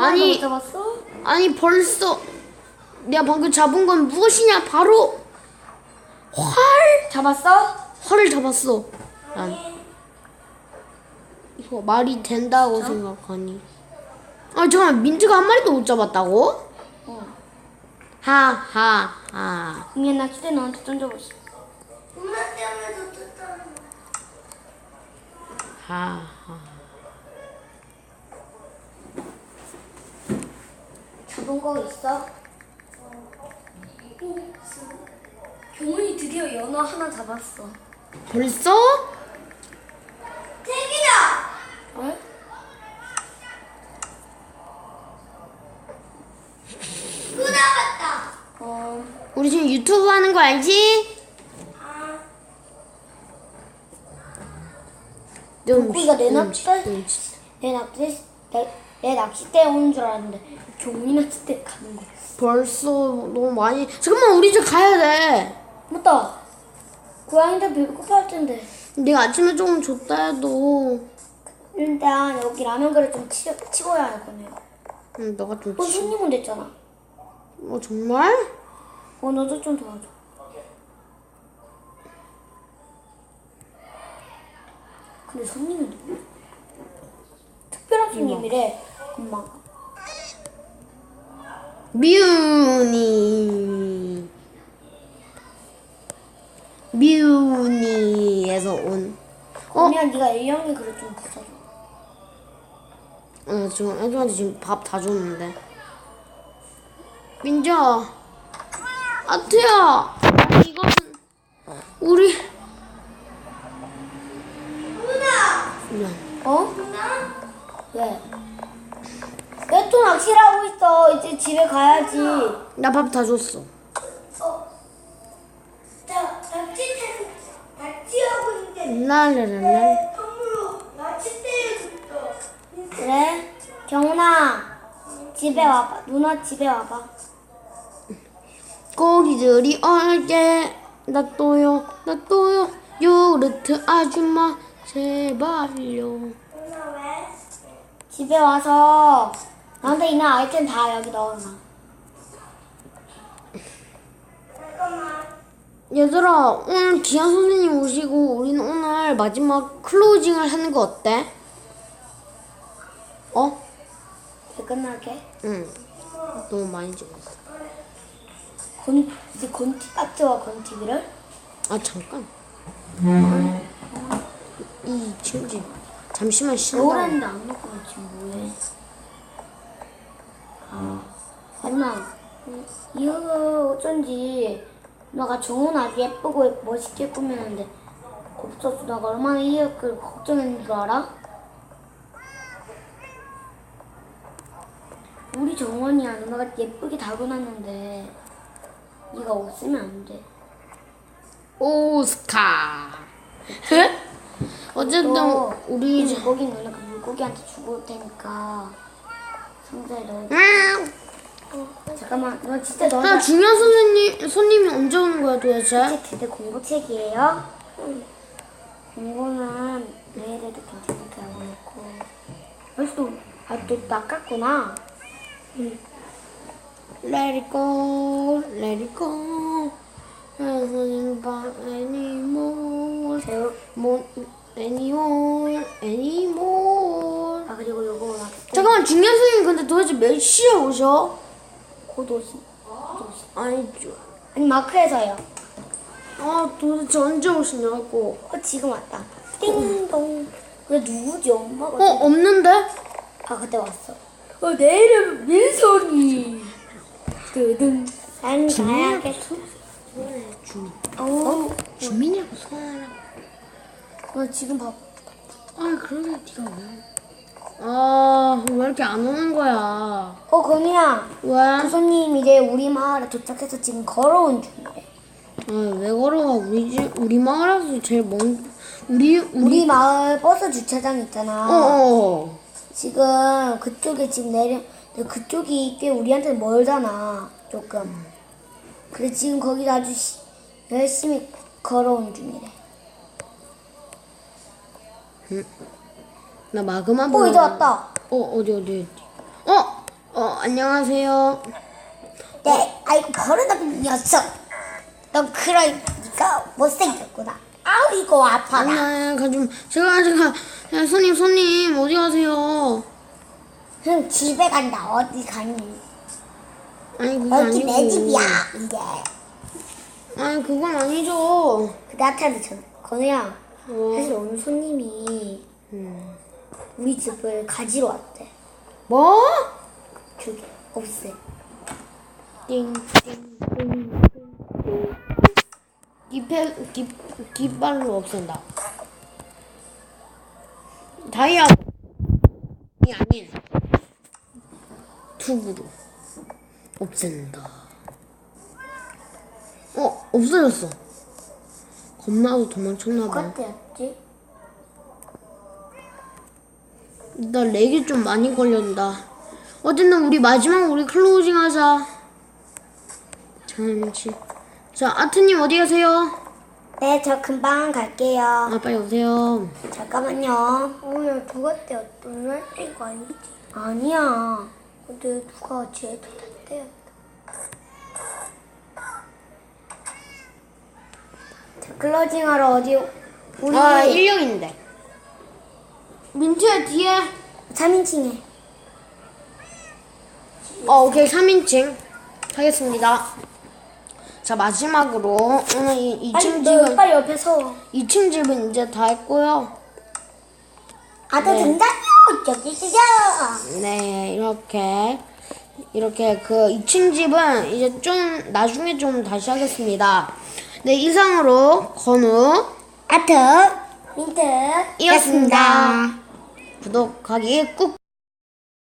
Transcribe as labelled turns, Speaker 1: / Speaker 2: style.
Speaker 1: 아니,
Speaker 2: 못 잡았어?
Speaker 1: 아니 벌써 내가 방금 잡은 건 무엇이냐? 바로 활.
Speaker 2: 잡았어?
Speaker 1: 활을 잡았어. 난 이거 말이 된다고 생각하니. 아 잠깐 민트가 한 마리도 못 잡았다고?
Speaker 2: 어.
Speaker 1: 하하하.
Speaker 2: 그냥 나 그때 너한테 던져봤어.
Speaker 3: 엄마 때문에 놓쳤잖아.
Speaker 1: 하하.
Speaker 2: 잡은 거 있어? 교문이 드디어 연어 하나 잡았어.
Speaker 1: 벌써?
Speaker 3: 택이다.
Speaker 2: 어?
Speaker 3: 또 나갔다.
Speaker 2: 어.
Speaker 1: 우리 지금 유튜브 하는 거 알지?
Speaker 3: 아,
Speaker 2: 물고기가 내 낚싯대?
Speaker 1: dum칫.
Speaker 2: 내 낚싯대에 오는 줄 알았는데 교문이 낚싯대 가는 거야.
Speaker 1: 벌써 너무 많이. 잠깐만 우리 이제 가야 돼.
Speaker 2: 맞다. 고양이들 배고파 할 텐데.
Speaker 1: 내가 아침에 조금 줬다 해도.
Speaker 2: 일단 여기 라면 그릇 좀 치워야 할 거네요.
Speaker 1: 응, 너가 좀.
Speaker 2: 손님 온댔잖아.
Speaker 1: 정말?
Speaker 2: 너도 좀 도와줘. 근데 손님이 누구? 특별한 손님이래. 엄마.
Speaker 1: 미우니에서 온.
Speaker 2: 그러면 네가 A형이 그릇 좀 부숴줘.
Speaker 1: 지금 애들한테 지금 밥 다 줬는데. 민지야, 아트야, 이거는 우리. 미안.
Speaker 2: 어? 왜? 왜 또 낚시를 하고 있어? 이제 집에 가야지.
Speaker 1: 나 밥 다 줬어.
Speaker 3: 낚시하고 있는데
Speaker 1: 랄랄랄랄.
Speaker 3: 선물로 낚싯대에 줬어.
Speaker 2: 그래? 경훈아, 집에 와봐. 누나 집에 와봐.
Speaker 1: 고기들이 얼게 놔둬요 요르트 아줌마 제발요.
Speaker 3: 누나 왜?
Speaker 2: 집에 와서 나한테 있는 아이템 다 여기 넣어놔.
Speaker 3: 잠깐만.
Speaker 1: 얘들아, 오늘 기아 선생님 오시고 우리는 오늘 마지막 클로징을 하는 거 어때?
Speaker 2: 이제 끝날게.
Speaker 1: 응. 너무 많이 찍었어.
Speaker 2: 이제 건티 깍지와 건티비를?
Speaker 1: 아 잠깐. 이 친구 잠시만 쉰다.
Speaker 2: 겨울에는 안 먹고 지금 뭐해? 누나, 이거 어쩐지 누나가 정훈 아주 예쁘고 멋있게 꾸몄는데 없어서 누나가 얼마나 이걸 걱정했는 줄 알아? 우리 정원이야 누나가 예쁘게 다뤄놨는데 네가 없으면 안 돼.
Speaker 1: 오스카. 어쨌든 우리 이제
Speaker 2: 물고기 누나가 물고기한테 주고 올 테니까 상자에 넣어. 잠깐만, 너 진짜
Speaker 1: 나
Speaker 2: 너한테
Speaker 1: 중요한 손님이 언제 오는 거야 도대체?
Speaker 2: 걔들 공부책이에요? 공부는 내일에도 괜찮게 하고 놓고 벌써 또 낚았구나.
Speaker 1: Let it go, let it go. anymore, anymore.
Speaker 2: 아 그리고 요거
Speaker 1: 잠깐만 중요한 선생님 근데 도대체 몇 시에 오셔?
Speaker 2: 곧 오시.
Speaker 1: 아니
Speaker 2: 아니 마크에서요.
Speaker 1: 도대체 언제 오시냐고.
Speaker 2: 지금 왔다. 띵동. 그래 누구지? 엄마가.
Speaker 1: 없는데?
Speaker 2: 아 그때 왔어. 내 이름 민성이. 뜨든. 난 가야겠어.
Speaker 1: 주민이라고 소환하라고.
Speaker 2: 나 지금 봐.
Speaker 1: 그러게 네가 왜? 왜 이렇게 안 오는 거야?
Speaker 2: 건이야.
Speaker 1: 왜?
Speaker 2: 그 손님 이제 우리 마을에 도착해서 지금 걸어온 중이래.
Speaker 1: 왜 걸어가? 우리 마을에서 제일
Speaker 2: 우리 마을 버스 주차장 있잖아. 지금 그쪽에 지금 그쪽이 꽤 우리한테 멀잖아. 조금. 그래 지금 거기 아주 열심히 걸어온 중이래.
Speaker 1: 나 마그마 보러.
Speaker 2: 이제 왔다.
Speaker 1: 어디. 안녕하세요.
Speaker 2: 네, 아이고 버릇없는 녀석. 너 그러니까 못생겼구나. 아우 이거 아파라.
Speaker 1: 아니야, 제가, 야, 손님, 어디 가세요?
Speaker 2: 그럼 집에 간다. 어디 가니?
Speaker 1: 아니, 그게
Speaker 2: 여기
Speaker 1: 아니고.
Speaker 2: 내 집이야 이제.
Speaker 1: 아니, 그건 아니죠.
Speaker 2: 그 나한테 전 건우야.
Speaker 1: 어.
Speaker 2: 사실 오늘 손님이 우리 집을 가지러 왔대.
Speaker 1: 뭐?
Speaker 2: 저기 없애.
Speaker 1: 깃발로 없앤다. 다이아 이 아닌 투구로 없앤다. 없어졌어. 겁나도 도망쳤나봐.
Speaker 2: 그때였지?
Speaker 1: 나 렉이 좀 많이 걸린다. 어쨌든 우리 마지막 우리 클로징 하자. 잠시. 자, 아트님 어디 가세요?
Speaker 2: 네, 저 금방 갈게요.
Speaker 1: 아, 빨리 오세요.
Speaker 2: 잠깐만요.
Speaker 3: 오늘 누가 떼었던 이거 아니지?
Speaker 2: 아니야.
Speaker 3: 근데 누가 쟤도 다 떼었다.
Speaker 2: 자, 클로징하러 어디? 우리
Speaker 1: 1령인데. 민트야, 뒤에.
Speaker 2: 3인칭에.
Speaker 1: 오케이. 3인칭 하겠습니다. 자, 마지막으로 오늘 이 2층 집은
Speaker 2: 빨리 옆에 서.
Speaker 1: 2층 집은 이제 다 했고요.
Speaker 2: 아들
Speaker 1: 네.
Speaker 2: 등장요. 저기 있으죠.
Speaker 1: 네, 이렇게 그 2층 집은 이제 좀 나중에 좀 다시 하겠습니다. 네, 이상으로 건우
Speaker 2: 아트 민트
Speaker 1: 이었습니다. 구독하기 꾹